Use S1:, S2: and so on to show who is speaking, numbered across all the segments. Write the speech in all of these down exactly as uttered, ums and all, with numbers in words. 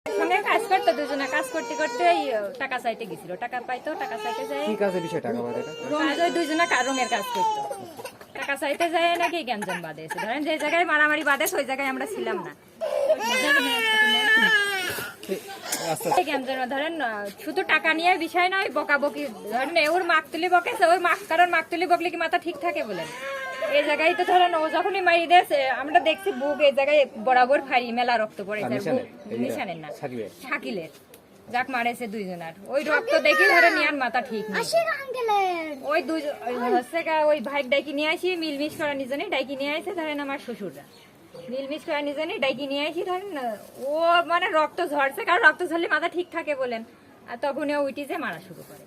S1: সঙ্গে কাজ করতো দুজনে, কাজ করতে করতে ওই টাকা চাইতে গেছিল, টাকা পাইতো, টাকা চাইতে যায়
S2: কি কাজের বিষয় টাকা পায় এটা?
S1: কাজ ওই দুজনে রঙের কাজ করতো, টাকা চাইতে যায় নাকি গ্যাঞ্জাম বাঁধেছে। ধরেন যে জায়গায় মারামারি বাঁধেছে ওই জায়গায় আমরা ছিলাম না। ধরেন শুধু টাকা নিয়ে বিষয় নয়, বকাবকি ধরেন ওর মাক তুলি বকেছে, ওর মাক কারণ মাক তুলি বকলে কি মাথা ঠিক থাকে বলেন? এই জায়গায় তো ধরেন ও যখনই মারি দিয়েছে আমরা দেখছি বুক এই জায়গায় বরাবর ফাড়ি মেলা রক্ত পড়ে যায়। নিশানের না, শাকিলের যাক মারেছে দুইজনার ওই রক্ত দেখে ধরে নিয়ার মাথা ঠিক নেই। ওই দুই হচ্ছে ওই ভাই ডাইকি নিয়ে আসি, মিলমিশ করা নিজনে ডাইকি নিয়ে আসে ধরেন আমার শ্বশুররা, মিলমিশ করা নিজনে ডাইকি নিয়ে আসি ধরেন ও মানে রক্ত ঝরছে, কারণ রক্ত ঝরলে মাথা ঠিক থাকে বলেন, আর তখন ও উঠি যে মারা শুরু করে।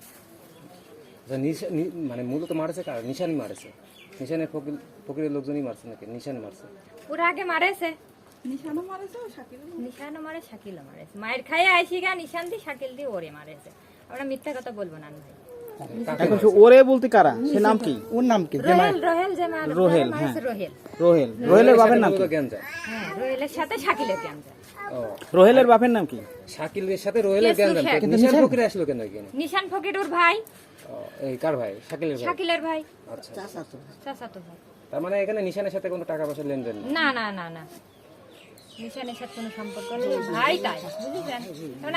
S2: মানে মূলত মারেছে কার? নিশানি মারেছে? নিশানের ফকির ফকিরের লোকজনই মারছে নাকি নিশানি মারছে?
S1: ওরা আগে মারেছে,
S3: নিশানও মারেছে, শাকিল
S1: নিশানও মারে, শাকিলও মারেছে। মায়ের খাইয়ে আইসি গা নিশান দি শাকিল দি ওরে মারেছে। আমরা মিথ্যা কথা বলবো না ভাই।
S4: এখন ওরে বলতে কারা? সে নাম কি? ওর নাম কি?
S1: রোহেল, রোহেল যে মার
S4: রোহেল,
S1: হ্যাঁ
S4: হ্যাঁ।
S1: রোহেল,
S4: রোহেল। রোহেলের বাপের নাম কি?
S1: হ্যাঁ রোহেলের সাথে শাকিলের গ্যাঞ্জাম।
S2: ও
S4: রোহেলের বাপের নাম কি?
S2: শাকিলের সাথে রোহেলের গ্যাঞ্জাম।
S4: কিন্তু
S2: নিশান
S4: নিশান-
S2: ফকির আসলো কেন এখানে?
S1: নিশান ফকির ওর ভাই।
S2: ও, এই কার ভাই? শাকিলের ভাই।
S1: শাকিলের ভাই,
S2: আচ্ছা,
S1: চাচাতো ভাই।
S2: তার মানে এখানে নিশানের সাথে কোনো টাকা পয়সা লেনদেন নেই?
S1: না না না না, নিশানের সাথে কোনো সম্পর্ক নেই, ভাই তাই বুঝেছেন।